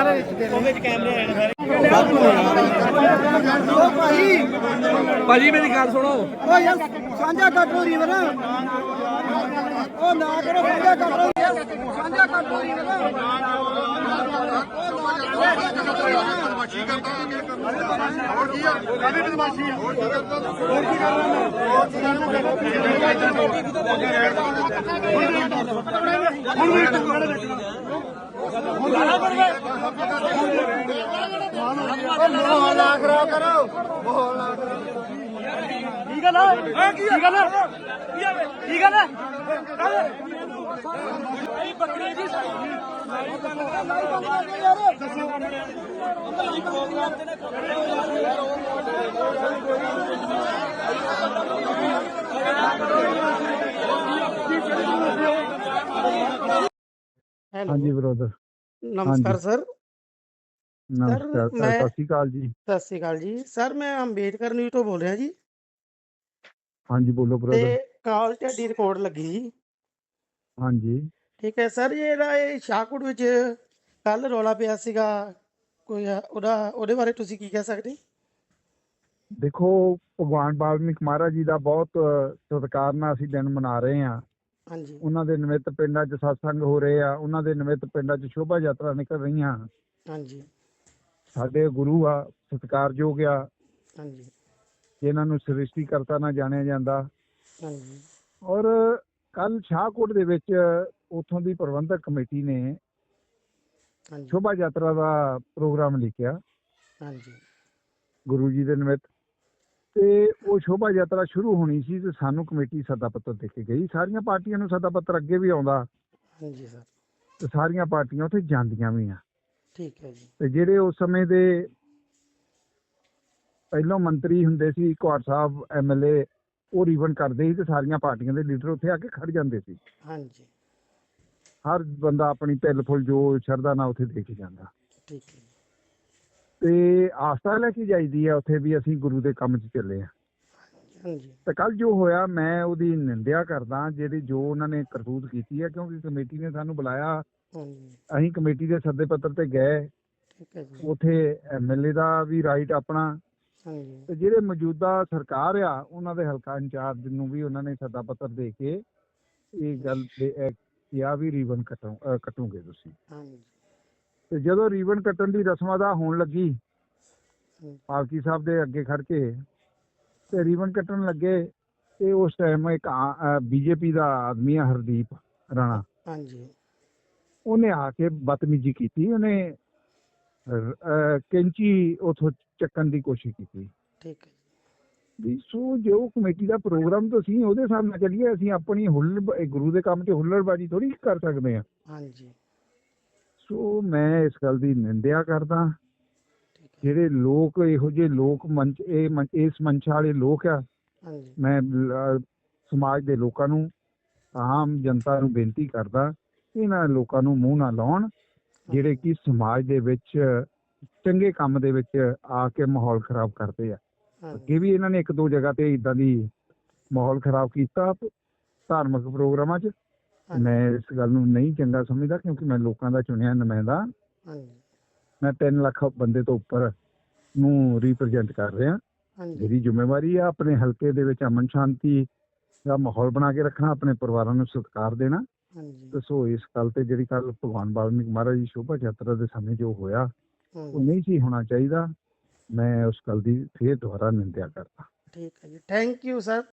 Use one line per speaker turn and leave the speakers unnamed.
ਭਾਜੀ ਮੇਰੀ ਗੱਲ ਸੁਣੋ।
ਓ ਯਾਰ ਸਾਂਝਾ ਕੱਟ ਲੋ ਰੀਵਰ ਉਹ ਨਾ ਕਰੋ ਸਾਂਝਾ ਕੱਟ ਲੋ ਸਾਂਝਾ ਕੱਟ ਲੋ ਰੀਵਰ ਬਦਮਾਸ਼ੀ ਕਰਦਾ ਹੋਰ ਕੀ ਆ ਕਾਹਦੀ ਬਦਮਾਸ਼ੀ ਆ ਹੋਰ ਕੀ ਕਰਨਾ ਮਾਹੌਲ ਨਾ ਖਰਾਬ ਕਰੋ ਮਾਹੌਲ ਨਾ ਕੀ ਗੱਲ ਹੈ ਕੀ ਗੱਲ ਹੈ ਕੀ ਗੱਲ ਹੈ ਇਹ ਬੱਕਰੀ ਦੀ
ਹਾਂਜੀ ਬ੍ਰਦਰ
ਨਮਸਕਾਰ ਸਰ
ਨਮਸਕਾਰ ਸਤਿ ਸ਼੍ਰੀ ਅਕਾਲ ਜੀ।
ਸਤਿ ਸ਼੍ਰੀ ਅਕਾਲ ਜੀ ਸਰ, ਮੈਂ ਅੰਬੇਡਕਰ ਨਿਊਜ਼ ਤੋਂ ਬੋਲ ਰਿਹਾ ਜੀ
ਹਾਂਜੀ ਬੋਲੋ ਬ੍ਰਦਰ।
ਤੇ ਕਾਲ ਤੁਹਾਡੀ ਰਿਕਾਰਡ ਲੱਗੀ ਜੀ।
ਹਾਂਜੀ
ਠੀਕ ਹੈ ਸਰ, ਜਿਹੜਾ ਇਹ ਸ਼ਾਹਕੋਟ ਵਿੱਚ ਕੱਲ ਰੌਲਾ ਪਿਆ ਸੀਗਾ ਕੋਈ ਉਹਦੇ ਬਾਰੇ ਤੁਸੀਂ ਕੀ ਕਹਿ ਸਕਦੇ?
ਦੇਖੋ ਭਗਵਾਨ ਵਾਲਮੀਕ ਮਹਾਰਾਜ ਜੀ ਦਾ ਬਹੁਤ ਸਤਿਕਾਰ ਨਾਲ ਅਸੀਂ ਦਿਨ ਮਨਾ ਰਹੇ ਹਾਂ।
ਹਾਂਜੀ
ਉਹਨਾਂ ਦੇ ਨਿਮਿਤ ਪਿੰਡਾਂ 'ਚ ਸਤਸੰਗ ਹੋ ਰਹੇ ਆ, ਉਹਨਾਂ ਦੇ ਨਿਮਿਤ ਪਿੰਡਾਂ 'ਚ ਸ਼ੋਭਾ ਯਾਤਰਾ ਨਿਕਲ ਰਹੀਆਂ।
ਹਾਂਜੀ
ਸਾਡੇ ਗੁਰੂ ਆ, ਸਤਿਕਾਰਯੋਗ ਆ,
ਹਾਂਜੀ
ਜਿਨ੍ਹਾਂ ਨੂੰ ਸ੍ਰਿਸ਼ਟੀਕਰਤਾ ਨਾਲ ਜਾਣਿਆ ਜਾਂਦਾ।
ਹਾਂਜੀ
ਔਰ ਕੱਲ ਸ਼ਾਹਕੋਟ ਦੇ ਵਿੱਚ ਉੱਥੋਂ ਦੀ ਪ੍ਰਬੰਧਕ ਕਮੇਟੀ ਨੇ
ਹਾਂਜੀ
ਸ਼ੋਭਾ ਯਾਤਰਾ ਦਾ ਪ੍ਰੋਗਰਾਮ ਲਿਖਿਆ
ਹਾਂਜੀ
ਗੁਰੂ ਜੀ ਦੇ ਨਿਮਿਤ, ਤੇ ਉਹ ਸ਼ੋਭਾ ਯਾਤਰਾ ਸ਼ੁਰੂ ਹੋਣੀ ਸੀ ਤੇ ਸਾਨੂੰ ਕਮੇਟੀ ਸੱਦਾ ਪੱਤਰ ਦੇ ਕੇ ਗਈ। ਸਾਰੀਆਂ ਪਾਰਟੀਆਂ ਨੂੰ ਸੱਦਾ ਪੱਤਰ ਅੱਗੇ ਵੀ ਆਉਂਦਾ
ਹਾਂਜੀ ਸਰ,
ਤੇ ਸਾਰੀਆਂ ਪਾਰਟੀਆਂ ਉੱਥੇ ਜਾਂਦੀਆਂ ਵੀ ਆ।
ਠੀਕ ਹੈ ਜੀ।
ਤੇ ਜਿਹੜੇ ਉਸ ਸਮੇਂ ਦੇ ਪਹਿਲੋਂ ਮੰਤਰੀ ਹੁੰਦੇ ਸੀ, ਕੁਹਾੜ ਸਾਹਿਬ MLA, ਉਹ ਰੀਵਨ ਕਰਦੇ ਸੀ ਤੇ ਸਾਰੀਆਂ ਪਾਰਟੀਆਂ ਦੇ ਲੀਡਰ ਉੱਥੇ ਆ ਕੇ ਖੜ ਜਾਂਦੇ ਸੀ।
ਹਾਂਜੀ
ਹਰ ਬੰਦਾ ਆਪਣੀ ਤਿਲ ਫੁੱਲ ਜੋ ਸ਼ਰਧਾ ਨਾਲ ਉੱਥੇ ਦੇ ਕੇ ਜਾਂਦਾ।
ਠੀਕ ਹੈ ਜੀ।
ਤੇ ਆਸਥਾ ਲੈ ਕੇ ਜਾਈਦੀ ਆ ਉੱਥੇ ਵੀ ਅਸੀਂ ਗੁਰੂ ਦੇ ਕੰਮ 'ਚ ਚੱਲੇ ਆ।
ਹਾਂਜੀ
ਤੇ ਕੱਲ ਜੋ ਹੋਇਆ ਮੈਂ ਉਹਦੀ ਨਿੰਦਿਆ ਕਰਦਾ, ਜਿਹੜੀ ਜੋ ਉਹਨਾਂ ਨੇ ਕਰਤੂਤ ਕੀਤੀ ਹੈ, ਕਿਉਂਕਿ ਕਮੇਟੀ ਨੇ ਸਾਨੂੰ ਬੁਲਾਇਆ,
ਹਾਂਜੀ
ਅਸੀਂ ਕਮੇਟੀ ਦੇ ਸੱਦੇ ਪੱਤਰ ਤੇ ਗਏ।
ਠੀਕ ਹੈ ਜੀ।
ਉੱਥੇ MLA ਦਾ ਵੀ ਰਾਈਟ ਆਪਣਾ,
ਹਾਂਜੀ
ਤੇ ਜਿਹੜੇ ਮੌਜੂਦਾ ਸਰਕਾਰ ਆ ਉਹਨਾਂ ਦੇ ਹਲਕਾ ਇੰਚਾਰਜ ਨੂੰ ਵੀ ਉਹਨਾਂ ਨੇ ਸੱਦਾ ਪੱਤਰ ਦੇ ਕੇ ਇਹ ਗੱਲ ਕਿਹਾ ਵੀ ਰੀਵਨ ਕੱਟੋਗੇ ਤੁਸੀਂ।
ਹਾਂਜੀ
ਤੇ ਜਦੋਂ ਰੀਵਨ ਕੱਟਣ ਦੀ ਰਸਮ ਅਦਾ ਹੋਣ ਲੱਗੀ,
ਹਾਂਜੀ
ਪਾਲਕੀ ਸਾਹਿਬ ਦੇ ਅੱਗੇ ਖੜ ਕੇ ਤੇ ਰੀਵਨ ਕੱਟਣ ਲੱਗੇ, ਤੇ ਉਸ ਟਾਈਮ ਇੱਕ BJP ਦਾ ਆਦਮੀ ਆ ਹਰਦੀਪ ਰਾਣਾ,
ਹਾਂਜੀ
ਉਹਨੇ ਆ ਕੇ ਬਦਤਮੀਜ਼ੀ ਕੀਤੀ। ਉਹਨੇ ਕੈਂਚੀ ਉਥੋਂ ਚੱਕਣ ਦੀ ਕੋਸ਼ਿਸ਼ ਕੀਤੀ।
ਠੀਕ ਹੈ
ਵੀ ਸੋ ਜੋ ਕਮੇਟੀ ਦਾ ਪ੍ਰੋਗਰਾਮ ਤਾਂ ਅਸੀਂ ਉਹਦੇ ਹਿਸਾਬ ਨਾਲ ਚੱਲੀਏ, ਅਸੀਂ ਆਪਣੀ ਗੁਰੂ ਦੇ ਕੰਮ 'ਚ ਹੁੱਲੜਬਾਜ਼ੀ ਥੋੜ੍ਹੀ ਕਰ ਸਕਦੇ ਹਾਂ।
ਹਾਂਜੀ
ਸੋ ਮੈਂ ਇਸ ਗੱਲ ਦੀ ਨਿੰਦਿਆ ਕਰਦਾ।
ਠੀਕ ਹੈ।
ਜਿਹੜੇ ਲੋਕ ਇਹੋ ਜਿਹੇ ਲੋਕ ਮੰਚ ਇਸ ਮੰਸ਼ਾ ਵਾਲੇ ਲੋਕ ਆ,
ਹਾਂਜੀ
ਮੈਂ ਸਮਾਜ ਦੇ ਲੋਕਾਂ ਨੂੰ, ਆਮ ਜਨਤਾ ਨੂੰ ਬੇਨਤੀ ਕਰਦਾ, ਇਹਨਾਂ ਲੋਕਾਂ ਨੂੰ ਮੂੰਹ ਨਾ ਲਾਉਣ ਜਿਹੜੇ ਕਿ ਸਮਾਜ ਦੇ ਵਿੱਚ ਚੰਗੇ ਕੰਮ ਦੇ ਵਿੱਚ ਆ ਕੇ ਮਾਹੌਲ ਖਰਾਬ ਕਰਦੇ ਆ। ਅੱਗੇ ਵੀ ਇਹਨਾਂ ਨੇ ਇੱਕ ਦੋ ਜਗ੍ਹਾ ਤੇ ਇੱਦਾਂ ਦੀ ਮਾਹੌਲ ਖਰਾਬ ਕੀਤਾ ਧਾਰਮਿਕ ਪ੍ਰੋਗਰਾਮਾਂ 'ਚ। ਮੈਂ ਇਸ ਗੱਲ ਨੂੰ ਨਹੀਂ ਚੰਗਾ ਸਮਝਦਾ, ਕਿਉਂਕਿ ਮੈਂ ਲੋਕਾਂ ਦਾ ਚੁਣਿਆ ਨੁਮਾਇੰਦਾ। ਮੈਂ 3 ਲੱਖ ਬੰਦੇ ਤੋਂ ਉੱਪਰ ਨੂੰ ਰਿਪਰੈਜ਼ੈਂਟ ਕਰ ਰਿਹਾ। ਮੇਰੀ ਜ਼ਿੰਮੇਵਾਰੀ ਆ ਆਪਣੇ ਹਲਕੇ ਦੇ ਵਿੱਚ ਅਮਨ ਸ਼ਾਂਤੀ ਦਾ ਮਾਹੌਲ ਬਣਾ ਕੇ ਰੱਖਣਾ, ਆਪਣੇ ਪਰਿਵਾਰਾਂ ਨੂੰ ਸਤਿਕਾਰ ਦੇਣਾ। ਸੋ ਇਸ ਗੱਲ ਤੇ ਜਿਹੜੀ ਕੱਲ ਭਗਵਾਨ ਵਾਲਮੀਕ ਮਹਾਰਾਜ ਦੀ ਸ਼ੋਭਾ ਯਾਤਰਾ ਦੇ ਸਮੇਂ ਜੋ ਹੋਇਆ ਉਹ ਨਹੀਂ ਸੀ ਹੋਣਾ ਚਾਹੀਦਾ। ਮੈਂ ਉਸ ਗੱਲ ਦੀ ਫੇਰ ਦੁਬਾਰਾ ਨਿੰਦਿਆ ਕਰਦਾ।
ਠੀਕ ਹੈ ਜੀ, ਥੈਂਕ ਯੂ ਸਰ।